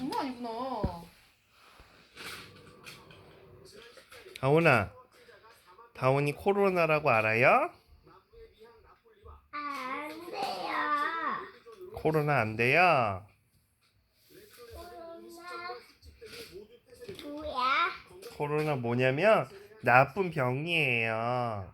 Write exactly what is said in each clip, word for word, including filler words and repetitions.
장난 아니구나. 다온아, 다온이 코로나라고 알아요? 안 돼요. 코로나 안 돼요? 코로나 뭐야? 코로나 뭐냐면 나쁜 병이에요.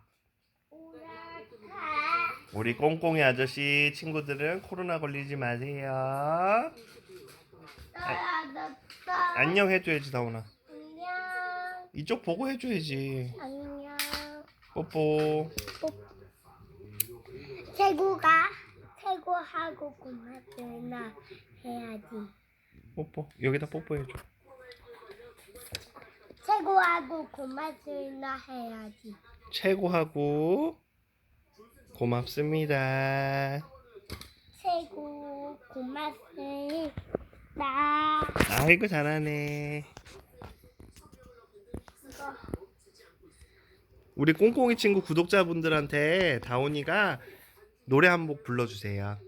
오라카. 우리 꽁꽁이 아저씨 친구들은 코로나 걸리지 마세요. 떨어졌어. 안녕 해줘야지, 다온아. 안녕. 이쪽 보고 해줘야지. 안녕. 뽀뽀. 최고가 최고하고 고맙구나 해야지. 뽀뽀. 여기다 뽀뽀해줘. 최고하고 고맙구나 해야지. 최고하고 고맙습니다. 최고 고맙습니다. 아이고 잘하네. 이거 우리 꽁꽁이 친구 구독자분들한테 다온이가 노래 한 곡 불러주세요.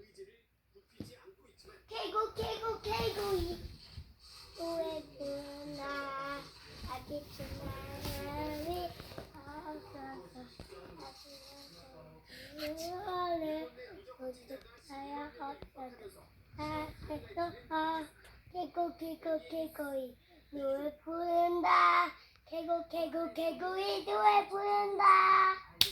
최고 최고 최고 이 노래 부르나 아기 주나리 어서서 아시는 어디서야 어디서 아서 최고 최고 최고이 노래 부른다. 최고 최고 최고이 노래 부른다.